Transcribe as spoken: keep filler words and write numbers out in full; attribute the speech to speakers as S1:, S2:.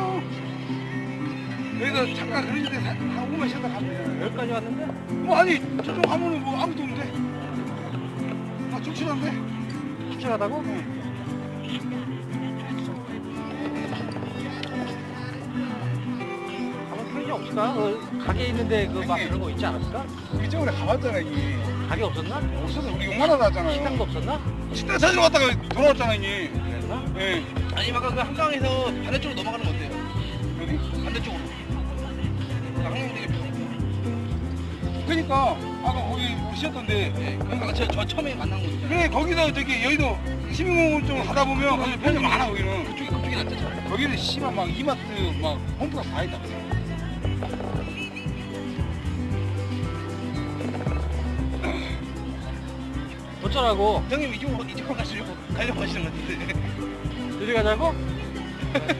S1: 어. 여기서 잠깐 그런 데 한 오 분만 쉬었다 가면 돼.
S2: 여기까지 왔는데?
S1: 뭐 아니 저쪽 가면은 뭐 아무도 없는데. 아 출출한데?
S2: 출출하다고? 가면 편의점 없을까? 그 가게 있는데 그 막 그런 거 있지 않았을까?
S1: 우리 저번에 가봤잖아 이게.
S2: 가게 없었나?
S1: 없어서 우리 욕만 하다 왔잖아요.
S2: 식당도 없었나?
S1: 식당 찾으러 갔다가 돌아왔잖아 이게.
S2: 그랬나?
S1: 예.
S3: 아니 아까 그 한강에서 반대쪽으로 넘어가는 거 어때요?
S1: 어디?
S3: 반대쪽으로. 한강 되게 편해.
S1: 그러니까 아까 거기 우리 쉬었던데.
S3: 네, 그러니까 저, 저 처음에 만난 곳이잖아요.
S1: 그래 거기서 저기 여의도 시민공원 쪽으로 가다 보면 거기 편의점 많아 거기는.
S3: 그쪽이 그쪽이 낫잖아요.
S1: 거기는 씨발 막 이마트 막 홈플러스 다 있다.
S2: 어쩌라고?
S3: 형님 이쪽으로 이쪽으로 가시려고 가려고 하시는 것 같은데.
S2: 이리 가자고?